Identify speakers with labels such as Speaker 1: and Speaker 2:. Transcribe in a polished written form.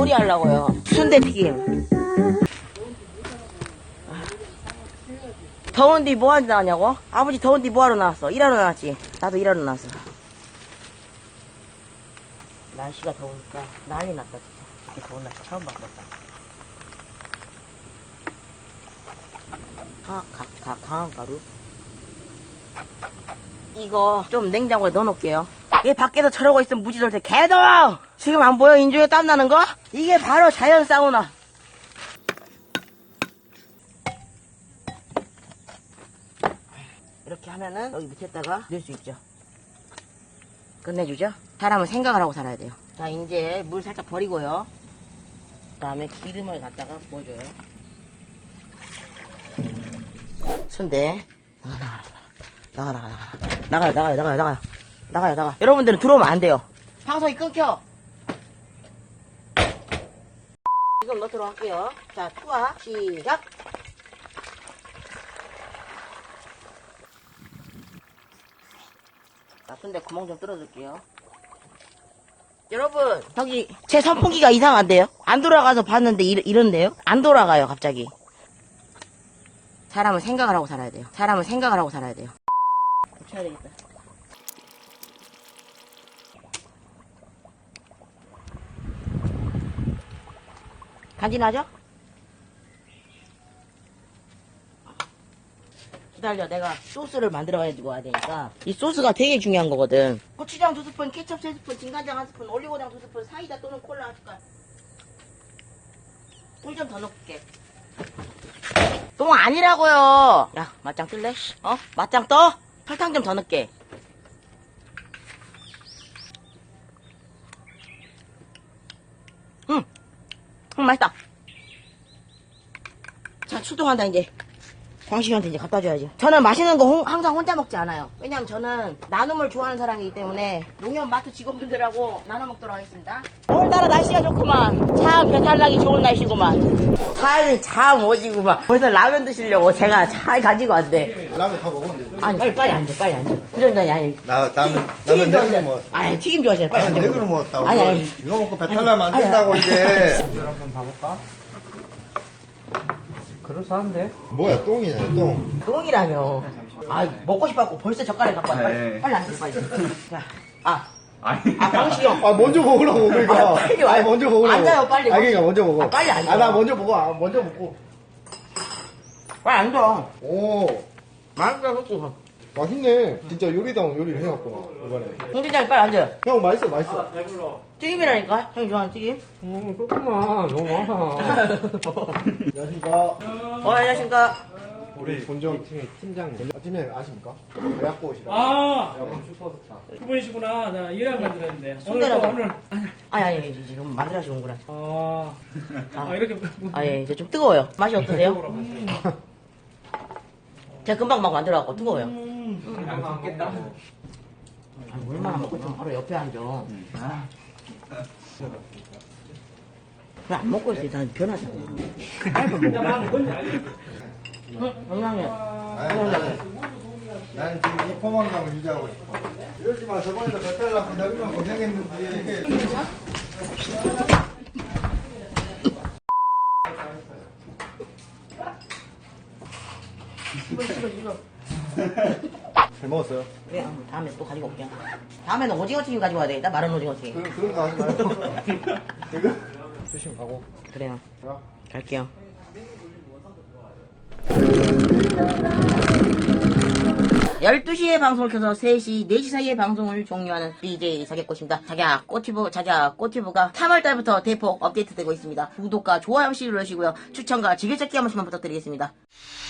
Speaker 1: 요리하려고요. 순대튀김. 더운데 뭐하러 나왔냐고? 아버지 더운데 뭐하러 나왔어? 일하러 나왔지? 나도 일하러 나왔어. 날씨가 더우니까 난리 났다 진짜. 이렇게 더운 날씨 처음 봤다. 강한 가루. 이거 좀 냉장고에 넣어놓을게요. 얘 밖에서 저러고 있으면 무지돌 개더워! 지금 안 보여? 인중에 땀 나는 거? 이게 바로 자연 사우나. 이렇게 하면은 여기 밑에다가 넣을 수 있죠. 끝내주죠? 사람은 생각을 하고 살아야 돼요. 자, 이제 물 살짝 버리고요. 그 다음에 기름을 갖다가 부어줘요. 순대. 나가요. 여러분들은 들어오면 안 돼요. 방송이 끊겨. 지금 넣도록 할게요. 자, 투하 시작. 자, 순대 구멍 좀 뚫어줄게요. 여러분, 저기 제 선풍기가 이상한데요? 안 돌아가서 봤는데 이런데요? 안 돌아가요, 갑자기. 사람은 생각을 하고 살아야 돼요. 사람은 생각을 하고 살아야 돼요. 고쳐야 되겠다. 간지나죠? 기다려, 내가 소스를 만들어가지고 와야 되니까. 이 소스가 되게 중요한 거거든. 고추장 2스푼, 케첩 3스푼, 진간장 1스푼, 올리고당 2스푼, 사이다 또는 콜라 한 숟갈. 물 좀 더 넣을게. 똥 아니라고요. 야, 맞짱 뜰래? 맞짱 떠? 설탕 좀 더 넣을게. 맛있다. 자, 출동한다 이제. 광식이한테 이제 갖다 줘야지. 저는 맛있는 거 항상 혼자 먹지 않아요. 왜냐면 저는 나눔을 좋아하는 사람이기 때문에 농협 마트 직원분들하고 나눠 먹도록 하겠습니다. 오늘따라 날씨가 좋구만. 참 배탈 나기 좋은 날씨구만. 차에 참 오지구만. 벌써 라면 드시려고 제가 잘 가지고 왔대.
Speaker 2: 라면 다 먹었는데.
Speaker 1: 아니 빨리 앉아. 그런다니 아니.
Speaker 2: 나는
Speaker 1: 튀김
Speaker 2: 네 그릇
Speaker 1: 좋아하잖아.
Speaker 2: 먹었어.
Speaker 1: 아니 튀김 좋아하잖아. 빨리 앉아.
Speaker 2: 네 그릇 먹었다고.
Speaker 1: 아니.
Speaker 2: 이거 먹고 배탈 나면 안 된다고 이제.
Speaker 3: 한번 봐볼까? 그럴싸한데?
Speaker 2: 뭐야 똥이네 똥.
Speaker 1: 똥이라뇨. 아 먹고 싶어갖고 벌써 젓가락 갖고 왔어. 빨리 앉아 빨리. 자, 광식이 형.
Speaker 2: 아 먼저 먹으라고 그러니까.
Speaker 1: 빨리 와요.
Speaker 2: 먼저 먹으라고.
Speaker 1: 앉아요, 빨리.
Speaker 2: 그러니까 먼저 먹어.
Speaker 1: 빨리 앉아.
Speaker 2: 나 먼저 먹어. 먼저 먹고.
Speaker 1: 빨리 앉아.
Speaker 2: 오
Speaker 1: 맛있다 솔직히.
Speaker 2: 맛있네. 진짜 요리다운 요리를 해놨구나 이번에.
Speaker 1: 홍진장이 빨리 앉아.
Speaker 2: 형 맛있어.
Speaker 1: 튀김이라니까? 형이 좋아하는 튀김?
Speaker 3: 조금만 너무 많아.
Speaker 2: 안녕하십니까.
Speaker 1: 안녕하십니까.
Speaker 2: 우리 본점
Speaker 3: 팀장님.
Speaker 2: 팀장님 아십니까? 배 갖고 오시라.
Speaker 3: 여러분 슈퍼스타.
Speaker 4: 그분이시구나. 나 일하고 만들었는데. 오늘
Speaker 1: 손대라고.
Speaker 4: 또 오늘.
Speaker 1: 아니, 지금 만들어서 오는구나.
Speaker 4: 이렇게.
Speaker 1: 예, 이제 좀 뜨거워요. 맛이 어떠세요? 제가 금방 막 만들어갖고 뜨거워요.
Speaker 3: 안 먹겠다.
Speaker 1: 얼마나 먹고 있으면 바로 옆에 앉아. 왜 안 먹고 있어? 난 변하잖아. 빨리 먹어. 건강해.
Speaker 2: 난 지금 이 포만감을 유지하고 싶어. 이러지 마. 저번에도 배탈 나고 나 얼마나 고생했는지. 잘 먹었어요.
Speaker 1: 그래, 다음에 또 가지고 올게요. 다음에는 오징어 튀김 가지고 와야 되겠다. 마른 오징어 튀김.
Speaker 2: 그런 거 하지 말고. 이거? 조심 가고.
Speaker 1: 그래요. 갈게요. 12시에 방송을 켜서 3시, 4시 사이에 방송을 종료하는 DJ 사객꽃입니다. 자기야 꽃튜브가 3월달부터 대폭 업데이트되고 있습니다. 구독과 좋아요 시 눌러주시고요. 추천과 즐겨찾기 한 번씩만 부탁드리겠습니다.